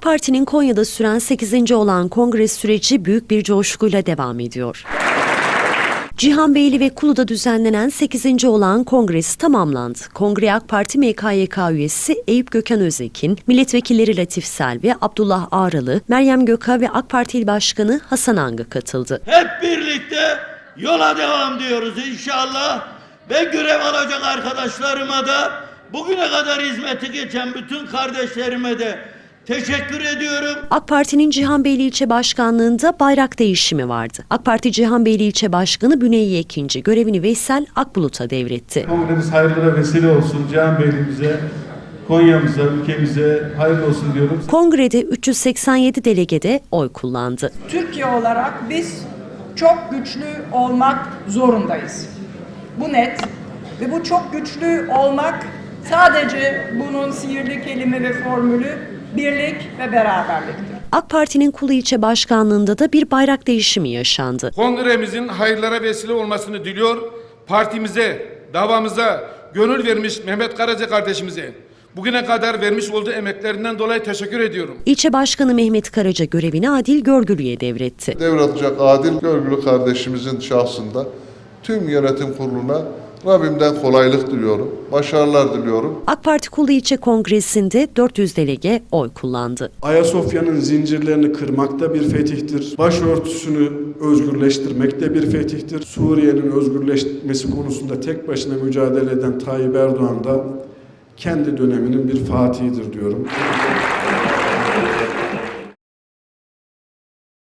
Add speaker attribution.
Speaker 1: Parti'nin Konya'da süren 8. olan kongre süreci büyük bir coşkuyla devam ediyor. Cihanbeyli ve Kulu'da düzenlenen 8. olan kongresi tamamlandı. Kongreye AK Parti MKYK üyesi Eyüp Gökhan Öztekin, milletvekilleri Latif Selvi, Abdullah Ağralı, Meryem Göka ve AK Parti İl Başkanı Hasan Angı katıldı.
Speaker 2: Hep birlikte yola devam diyoruz inşallah ve görev alacak arkadaşlarıma da bugüne kadar hizmeti geçen bütün kardeşlerime de teşekkür ediyorum.
Speaker 1: AK Parti'nin Cihanbeyli İlçe Başkanlığı'nda bayrak değişimi vardı. AK Parti Cihanbeyli İlçe Başkanı Büneyye Ekinci görevini Veysel Akbulut'a devretti.
Speaker 3: Kongremiz hayırlara vesile olsun. Cihanbeyli'mize, Konya'mıza, ülkemize hayırlı olsun diyorum.
Speaker 1: Kongrede 387 delegede oy kullandı.
Speaker 4: Türkiye olarak biz çok güçlü olmak zorundayız. Bu net ve bu çok güçlü olmak sadece bunun sihirli kelime ve formülü birlik ve beraberliktir.
Speaker 1: AK Parti'nin Kulu İlçe Başkanlığı'nda da bir bayrak değişimi yaşandı.
Speaker 5: Kongremizin hayırlara vesile olmasını diliyor. Partimize, davamıza gönül vermiş Mehmet Karaca kardeşimize bugüne kadar vermiş olduğu emeklerinden dolayı teşekkür ediyorum.
Speaker 1: İlçe Başkanı Mehmet Karaca görevini Adil Görgülü'ye devretti.
Speaker 6: Devralacak Adil Görgülü kardeşimizin şahsında tüm yönetim kuruluna Rabbimden kolaylık diliyorum, başarılar diliyorum.
Speaker 1: AK Parti Kulu İlçe Kongresi'nde 400 delege oy kullandı.
Speaker 7: Ayasofya'nın zincirlerini kırmak da bir fetihtir. Başörtüsünü özgürleştirmek de bir fetihtir. Suriye'nin özgürleşmesi konusunda tek başına mücadele eden Tayyip Erdoğan da kendi döneminin bir fatihidir diyorum.